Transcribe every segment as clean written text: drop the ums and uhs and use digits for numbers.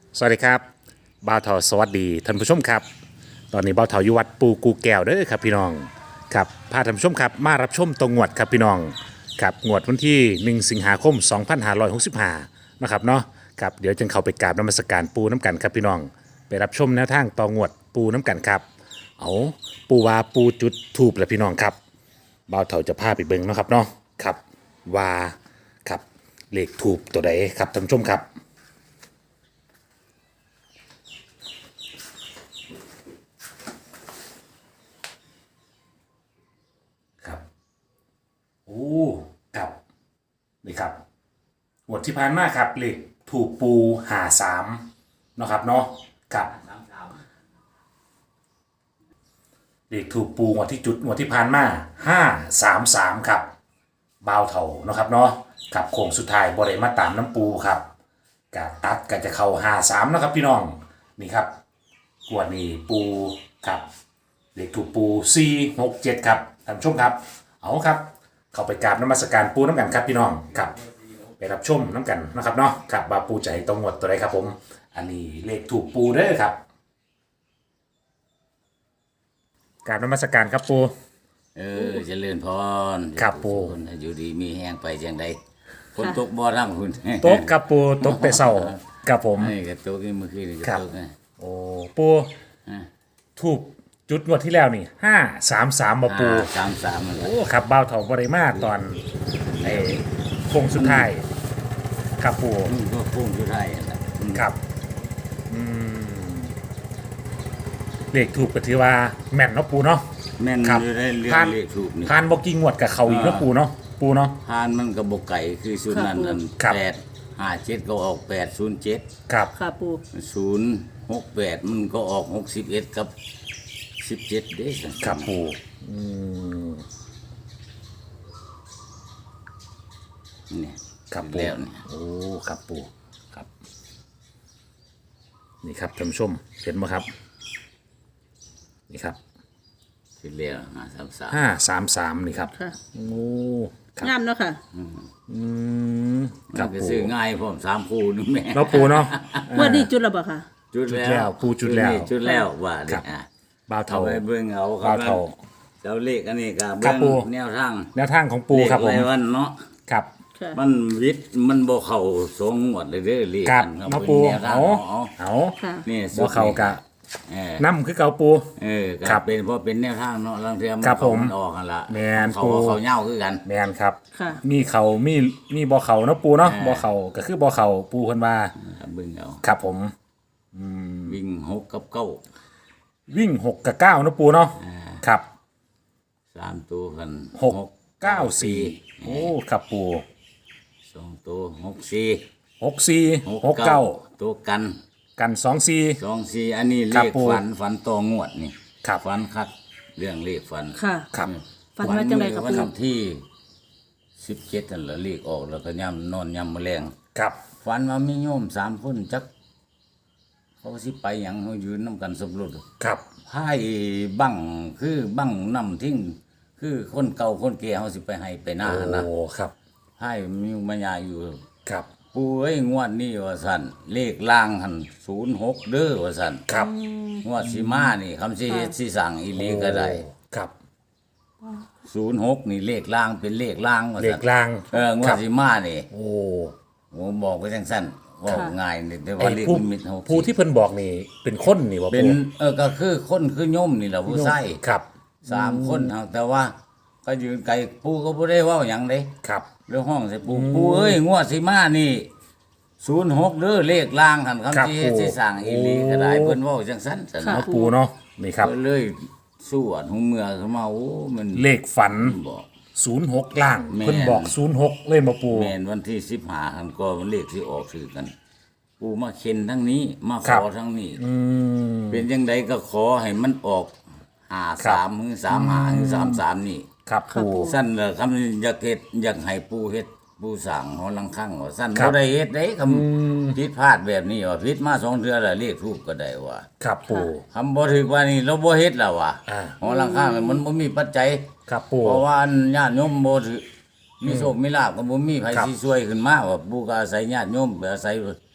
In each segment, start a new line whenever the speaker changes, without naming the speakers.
สวัสดีครับบ่าวเถาสวัสดีท่านผู้ชมครับตอนนี้บ่าวเถาอยู่วัดปูกูแก้วเด้อครับพี่น้องครับพาท่านผู้ชมครับมารับชมตรงงวดครับพี่น้องครับงวดวันที่1สิงหาคม2565นะครับเนาะครับเดี๋ยวจึงเข้าไปกราบนมัสการปูน้ำกันครับพี่น้องไปรับชมแนวทางตองวดปูน้ำกันครับเอาปูวาปูจุดทูบแหละพี่น้องครับบ่าวเถาจะพาไปเบิ่งเนาะครับเนาะครับว่าครับเลขทูบตัวใดครับท่านผู้ชมครับ ครับโอ้ครับนี่ครับงวดที่ผ่านมาครับเลขถูกปู53เนาะครับเนาะครับเลขถูกปูงวดที่จุดงวดที่ผ่านมา533ครับบ่าวเท่าเนาะครับเนาะครับโค้งสุดท้ายบ่ได้มาตามน้ำปูครับกะตัดก็จะเข้า53เนาะครับพี่น้องนี่ครับงวดนี้ปูครับเลขถูกปู467ครับท่านผู้ชมครับเอาครับเข้าไปกราบนมัสการปูน้ำกันครับพี่น้องครับไปรับชมน้ำกันนะครับเนาะครับบาปูใจตรงหมดตัวใดครับผมอันนี้เลขถูกปูเด้อครับกราบนมัสการครับปู
เจริญพร
ครับปู่
คนอยู่ดีมีแห้งไปจังไดคนตกบ่อร่ำคุณ
โต๊ะครับปูโต๊ะแต่เศร้าครับผม
นี่ก็ตกนี่เมื่อคืนก็ตกนะ
โอ้ปูถูกจุดงวดที่แล้วนี่533มาปู
33นั่นแหละ
โอ้ครับบ้าวเถาบริมาตอนไอ้โค้งสุดท้ายครับปู
ก็พุ่งอยู่ได้นั่นแหละ
ครับเลขถูกก็ถือว่าแม่นเนาะปูเนาะ
แม่นอยู่ได้เรื่องเลขถูกนี่
ผ่านบอกกิ้งงวดกับเขาอีกเนาะปูเนาะปูเนาะ
ผ่านมันก็บ่ไก่คือศูนย์นั้นนั่น857ก็ออก807
ครับ
ค่ะปู
068มันก็ออก61กับ17เด้
ครับปู
เนี่ย
ครับปู
แล้วนี่
โอ้ครับปูครับนี่ครับท่านผู้ชมเห็นไหมครับนี่ครับ
ที่แล้ว
533นี่ครับโอ้
งามเนาะค่ะ
ครับก็ซื้อง่ายพร้อม3คู่นึงแม่
เราปูเนาะ
ว่าดีจุดแล้วบ่ค่ะ
จุดแล้ว
ปูจุดแล้ว
ว่านี่
บ่าวเฒ่า
ไปเบิ่งเอา
บ่าวเฒ่า
เจ้าเลขอันนี้ก็เบิ่งแนวทาง
ของปูครับผม
วันเนาะ
ครับ
มันวิทย์มันบ่เข้าสงหมดเลยเด้อเลข
ครับเนาะปู
เอานี่
บ่เข้ากะน้ำคือเก่าปู
ก็เป็นเพราะเป็นแนวทางเนาะลางเทื่อมันออกกันละ
แม่นปู
เขาเหย้าคือกัน
แม่นครับมีเขามีบ่เข้าเนาะปูเนาะบ่เข้าก็คือบ่เข้าปูเพิ่นว่า
เบิ่งเอา
ครับผม
วิ่ง6กับ9
วิ่ง6กับ9เนาะปูเนาะครับ
3ตัวกัน
6 9 4โอ้ครับปู
2ตัว64
64 69
ตัวกัน
24
อันนี้เลขฝันต่องวดนี่ฝันคักเรื่องเลขฝัน
ค่ะ
ครับ
ฝันว่าจังได๋ครับ
วันที่17นั่นแหละเลขออกแล้วก็ย่ำนอนย่ำแมลง
ครับ
ฝันว่ามีโยม3คนจักเขาสิไปหยังเฮายืนนำกันสมรส
ครับ
ไพ่บั้งคือบั้งนำทิ้งคือคนเก่าคนแก่เฮาสิไปให้ไปหน้านะ
โอ้ครับ
ไพ่มีมายาอยู่
ครับ
ปู่เอ้ยงวดนี้ว่าซั่นเลขล่างหั่น06เด้อว่าซั่น
ครับ
งวดสิมานี่คำสิเฮ็ดสิสั่งอีหลีก็ได้
ครับ
06นี่เลขล่างเป็นเลขล่างว่า
ซั่นเลขล่าง
งวดสิมานี่
โอ้
ผมบอกไปจังซั่นว่าง่ายนี่แต่ว่าเลขนิมิตเฮา
ผู้ที่เพิ่นบอกนี่เป็นคนนี่บ่
เป็นก็คือคนคือโยมนี่แหละผู้ใช้
ครับ
3คนแต่ว่าก็ยืนไกลปู่ก็บ่ได้เว้าหยังเด้
ครับ
เรื่องห้องใส่ปู่เอ้ยงวดสิมานี่06เด้อเลขล่างหั่นคำสิเฮ็ดสิสร้างอีหลีก็ได้เพิ่นเว้าจังซั่นซั่น
เนาะปู่เนาะนี่ครับ
เลยสู้อันหูเมื่อขึ้นมาโอ้มัน
เลขฝันบอก06ล่างเพิ่นบอก06เลยบ่ปู่
แม่นวันที่15คั่นก็มันเลขสิออกคือกันปู่มาเข็นทั้งนี้มาขอทั้งนี้เป็นจังไดก็ขอให้มันออก53หรือ35หรือ33นี่
ครับปู่
ซั่นล่ะคำอยากเฮ็ดอยากให้ปู่เฮ็ดปู่สร้างหอลังคั่งว่าซั่นบ่ได้เฮ็ดเด้คำผิดพลาดแบบนี้ว่าผิดมา2เทื่อแล้วเลขทูปก็ได้ว่า
ครับปู่
คำบ่ถึกว่านี่เราบ่เฮ็ดแล้วว่ะหอลังคั่งมันบ่มีปัจจัย
ครับปู่
เพราะว่าญาติโยมบ่ถือมีโชคมีลาภก็บ่มีไผสิช่วยขึ้นมาว่าปู่ก็อาศัยญาติโยมอาศัย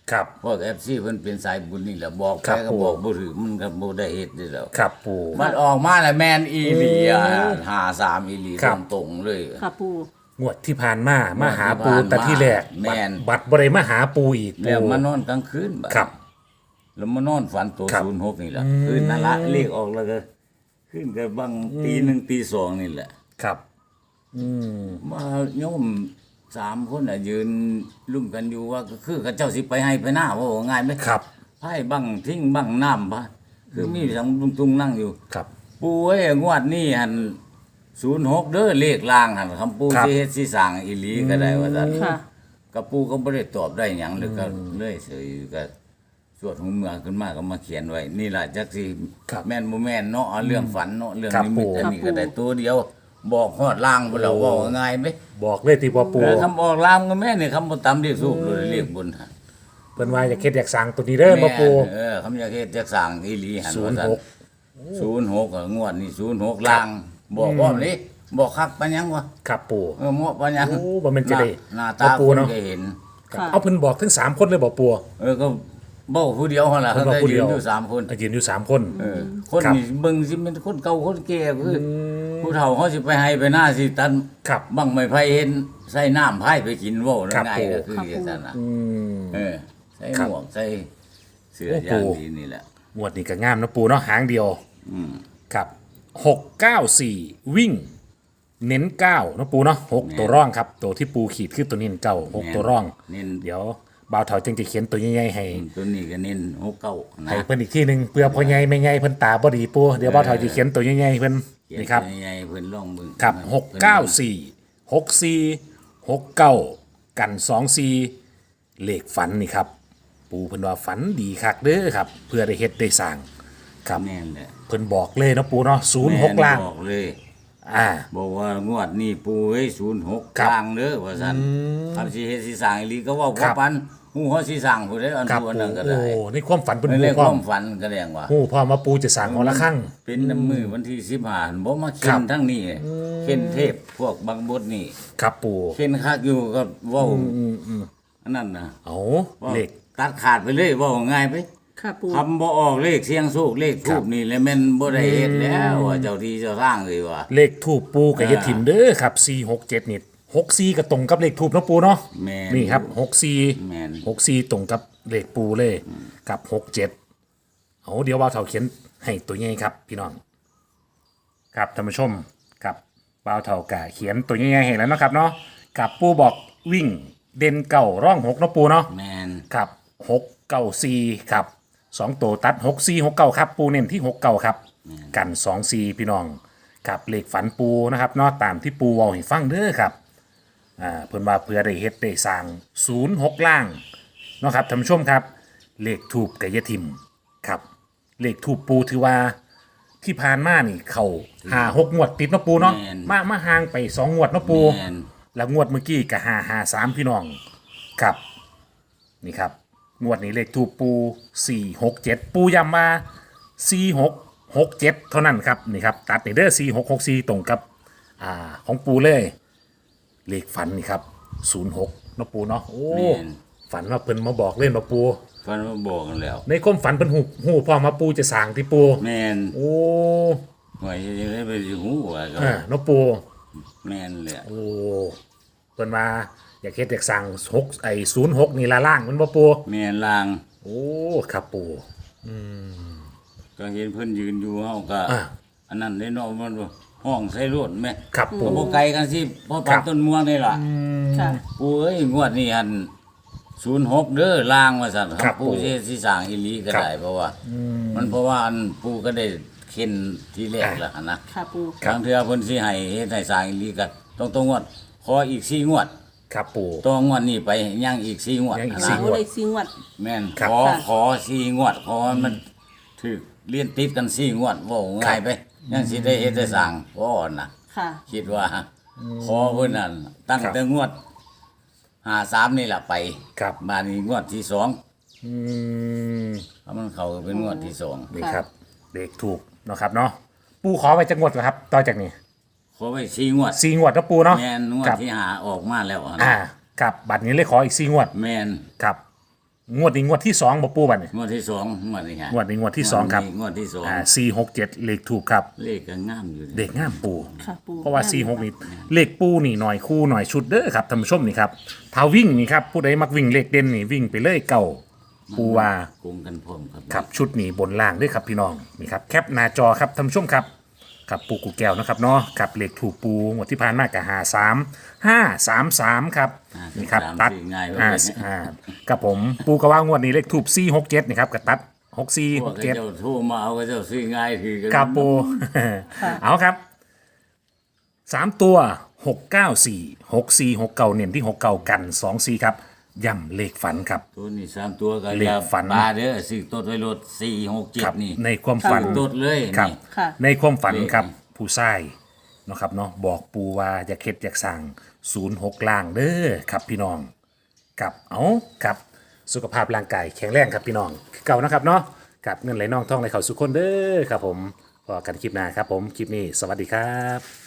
ครับ
พวก FC เพิ่นเป็นสายบุญนี่แหละบอก
ครั
ไป
บ
ก็บอกบ่ถือมันก็บ่ได้เฮ็ดนี่แหล้ว
ครับปู
มันออกมาแล้วแม่นอีหลีอ่ะ53อีหลี
ครับ
ตรงๆเลย
ค่ะปู
งวดที่ผ่านมามาหาปู
งวดที่ผ่านมา
แต่ที่แรก
แม่น
บัตรบ่ได้มาหาปูอีก
แล้ว
ปู
มานอนกลางคืนบัด
ครับ
แล้วมานอนฝันตัว
ครับ
06นี่แหละคืนนั่นละเลขออกแล้วก็ขึ้นก็บังตีหนึ่งตีสองนี่แหละ
ครับ
มาโยม3คนน่ะยืนลุ่มกันอยู่ว่าก็คือเขาเจ้าสิไปให้ไปหน้าว่าง่ายไหม
ครับ
ไพ่บังทิ้งบังน้ำพะคือมีสังตุงนั่งอยู่
ครับ
ปูเอ้ยงวดนี้หัน06เด้อเลขล่างหันคำปู
ครับ
สิเฮ็ดสิสร้างอีหลีก็ได้ว่าซั่น
ค่ะ
กับปูก็บ่ได้ตอบได้หยังเลยก็เลยเฉยก็สวดหูเมือขึ้นมาก็มาเขียนไว้ นี่ล่ะจักสิ
ครับ
แม่นบ่แม่นเนาะเอาเรื่องฝันเนาะเรื่อง
ครับ
นิมิต
ปู่
อันนี้ก็ได้ตัวเดียว บอกฮอดล่างบ่แล้วเว้าง่ายไหม
บอกเลยที่ว่าปู
คำบอกล่างก็แม่นี่คำบ่ตามเรียกสูบเลยเรียกบนหั่น
เพิ่นว่าอยากเฮ็ดอยากสร้างตัวนี้เด้อบ่ปู
คำอยากเฮ็ดจักสร้างอีหลีหัน
06
ว่าซั่น06งวดนี้06ล่าง บอกพร้อมนี่บอกคักปานหยังวะ
ครับปู
เหมาะปานหยัง
โอ้บ่แม่นจะได้
หน้า
บ่
ตา
ปู
คน
เนาะ
ก็เห็น
ครับ
ค่ะ
เอาเพิ่นบอกทั้ง3คนเลยบ่ปู
ก็เบ้าผู้เดียวหั่นล่ะ
เพิ่
เขา
นบอก
ได้
ผู้
ยื
เดีย
น
ว
อยู่3คน
ยืนอยู่3คน
คน
ครับ
นี่เบิ่งสิเป็นคนเก่าคนแก่คือผู้เฒ่าเขาสิไปให้ไปหน้าสิตัน
ครับ
บังไม้ไผเห็นใส่น้ำไผไปกินเว้า
ครับ
ง่ายก็คือ
ครับ
จังซั่นน่ะ
อืม
ใส่
ครั
ห
บ
มวกใส่เสื้อ
โอ้
อย่าง
ปู่
ดีนี่แหละ
งวดนี้ก็งามนะปูเนาะหางเดียวครับ694วิ่ง เน้น9นะปูเนาะ6ตัวร่องครับ ตัวที่ปูขีดคือตัวเน้นเก้า6ตัวร่อง
เน้น
เดี๋ยวบ่าวเฒ่าจึงจะเขียนตัวใหญ่ๆให้
ตัวนี้ก็เน้น69นะ
ให้เพิ่นอีกทีหนึงเพื่อพ่อใหญ่แม่ใหญ่เพิ่นตาบ่ดีปูเดี๋ยวบ่าวเฒ่าจะเขียนตัวใหญ่ๆให้เพิ่นนี่ครับ
ใหญ่ๆเพิ่นลองเบิ่ง
ครับ
เพิ่น
694 69 กัน 24 เลขฝันนี่ครับ ปูเพิ่นว่าฝันดีคักเด้อครับ เพื่อได้เฮ็ดได้สร้างครับ
แม่นแหละ
เพิ่นบอกเลยเนาะปูเนาะ06ล่าง
บอกเลย
อ่า
บอกว่างวดนี้ปูเอ้ย06
ครับ
กลางเด้อว่าซั่นคำสิเฮ็ดสิสร้างอีหลีก็เว้า
ครั
ว่า
บ
ปันฮู้เฮาสิสร้างผู้ใดอัน
ครับ
ผู้อันนั้นก็
โอ้
ได้
ในความฝันเพิ่น
ใน
ฮู้
เรื่อง
พร้
ค
อ
วาม มฝันก็แรงว่า
ฮู้พร้อมว่าปูจะสร้างหอละครั้ง
เป็นน้ำมือวันที่15บ่มา
ครั
เข็
บ
นทั้งนี้เข็นเทพพวกบางบดนี่
ครับปู
เข็นคักอยู่ก็เว้าอันนั้นน่ะ
เอา
ว้า
เลข
ตัดขาดไปเลยเว้าง่ายไป
ค่ะปู
ทำบ่ออกเลขเสียงโชคเลขทูบนี่แหละแม่นบ่ได้เฮ็ดแล้วว่าเจ้าที่เจ้าทางเลยว่า
เลขทูปปูกับเฮ็ดถิ่มเด้อครับ467นี่64ก็ตรงกับเลขทูปเนาะปูเนาะ
แม่น
นี่ครับ
แม่น
64ตรงกับเลขปูเลยกับ67เอาเดี๋ยวบ่าวเฒ่าเขียนให้ตัวใหญ่ครับ พี่น้อง ครับท่านผู้ชมกับบ่าวเฒ่ากะเขียนตัวใหญ่ๆให้แล้วเนาะครับเนาะกับปูบอกวิ่งเด่นเก่าร่อง6เนาะปูเนาะ
แม่น
ครับ694ครับ2ตัวตัด6469ครับปูเน้นที่69ครับกัน24พี่น้องกับเลขฝันปูนะครับเนาะตามที่ปูเว้าให้ฟังเด้อครับเพิ่นว่าเพื่อได้เฮ็ดได้สร้าง06ล่างเนาะครับท่านผู้ชมครับเลขทูบกะยะทิมครับเลขทูบปูถือว่าที่ผ่านมานี่เข้า5-6งวดติดเนาะปูเนาะมาห่างไป2งวดเนาะปู
แม่น
แล้วงวดเมื่อกี้ก็553พี่น้องครับนี่ครับงวดนี้เลขทูปปู467ปูย้ำมา4667เท่านั้นครับนี่ครับตัดในเด้อ4664ตรงกับของปูเลยเลขฝันนี่ครับ06เนาะปูเนาะโอ้
แม่น
ฝันว่าเพิ่นมาบอกเล่นมาปู
ฟันมาบอกกันแล้ว
ในความฝันเพิ่นหูพอมาปูจะสร้างที่ปู
แม่น
โอ้
หวยจะได้ไปสิฮู้ว่าก็
เนาะปู
แม่นแหละ
โอ้เพิ่นมาอยากเฮ็ดอยากสั่ง06นี่ละล่างมันบ่ปู
แม่นลาง
โอ้ครับปู
ก็เห็นเพิ่นยืนอยู่เฮาก็
อ่า
อันนั้นได้เนาะมันว่าห้องใส่รถแม่
ครับปู
ก็บ่ไกลกันสิเพราะ
ครั
ปัก
บ
ต้นม่วงนี่ล่ะ
ค่ะ
ปู่เอ้ยงวดนี้หัน06เด้อลางว่าซั่น
ครับ
ปู่
ปู่
สิสร้างอีหลีก็
ครับ
ได้เพราะว่ามันเพราะว่าอันปู่ก็ได้เข็นที่แรกแล้วหั่นนะ
ค่ะปู
ครั้งเทื่อเพิ่นสิให้เฮ็ดให้สร้างอีหลีก็ต้องงวดขออีก4งวด
ครับปู
ต้องงวดนี้ไปยังอีก4งวด
ยังอีก
นะ
สี่
โอ้เลยสิงวัด
แม่น
ครับ
ขอ4งวดขอให้มันถึกเรียนติดกัน4งวดเว้าง่ายไปยังสิได้เฮ็ดได้สร้างบ่อ่อนนะ
ค่ะ
คิดว่าขอเพิ่นนั่นตั้งแต่งวด53นี่ล่ะไป
ครับ
มานี่งวดที่2
อืม
ถ้ามันเข้าก็เป็นงวดที่2
นี่ครับเลขถูกเนาะครับเนาะปูขอไปจักงวดเหรอครับต่อจากนี้
ขอไว้4งวด
4งวดนะปูเนาะ
แม่นงวด
ครับ
ที่5ออกมาแล้วอะ
อ่า
นะ
ครับบัตรนี้เลยขออีก4งวด
แม่น
ครับงวดนี้งวดที่2บ่ปูบัดนี่
งวดที่สองงวดนี้ฮะ
งวดนี้งวดที่2ครับ
งวดที่สอง
467เลขถูกครับ
เลขก็งามอยู่
เด็กงามปู
ค่ะปู
เพราะว่า46นี่เลขปูนี่หน่อยคู่หน่อยชุดเด้อครับท่านผู้ชมนี่ครับถ้าวิ่งนี่ครับผู้ใดมักวิ่งเลขเด่นนี่วิ่งไปเลยเก่าปูว่า
โกงกันพร้อมครับ
ครับชุดนี้บนล่างด้วยครับพี่น้องนี่ครับแคปหน้าจอครับท่านผู้ชมครับครับปูกูแก้วนะครับเนาะครับเลขถูกปูหมดที่ผ่านมากกับ53533ครับนี่ครับตัด
ง่าย
กับผมปูกระว่างวดนี้เลขถูก467นี่ครับกับตัด
พวกเจ้า
6467
โทรมาเอาก็เจ้าซื้อง่ายคือกัน
ครับปู เอาครับ3ตัว694 6469เน้นที่69กัน24ครับย่ำเลขฝันครับ
ตัวนี้3ตัวก็
เลขฝัน
ปลาเด้อซื้อต้นไว้รถ
ครับ
467นี่
ในความฝัน
ต้นเลย
ครับ
นี่
ค่ะ
ในความฝัน
เลข
ครับผู้ชายเนาะครับเนาะบอกปูว่าอย่าเข็ดอยากสั่ง06ล่างเด้อครับพี่น้องกับเอาครับสุขภาพร่างกายแข็งแรงครับพี่น้องคือเก่านะครับเนาะกับเงินไหลน่องท่องไหลเข่าสุขคนเด้อครับผมพอกันคลิปหน้าครับผมคลิปนี้สวัสดีครับ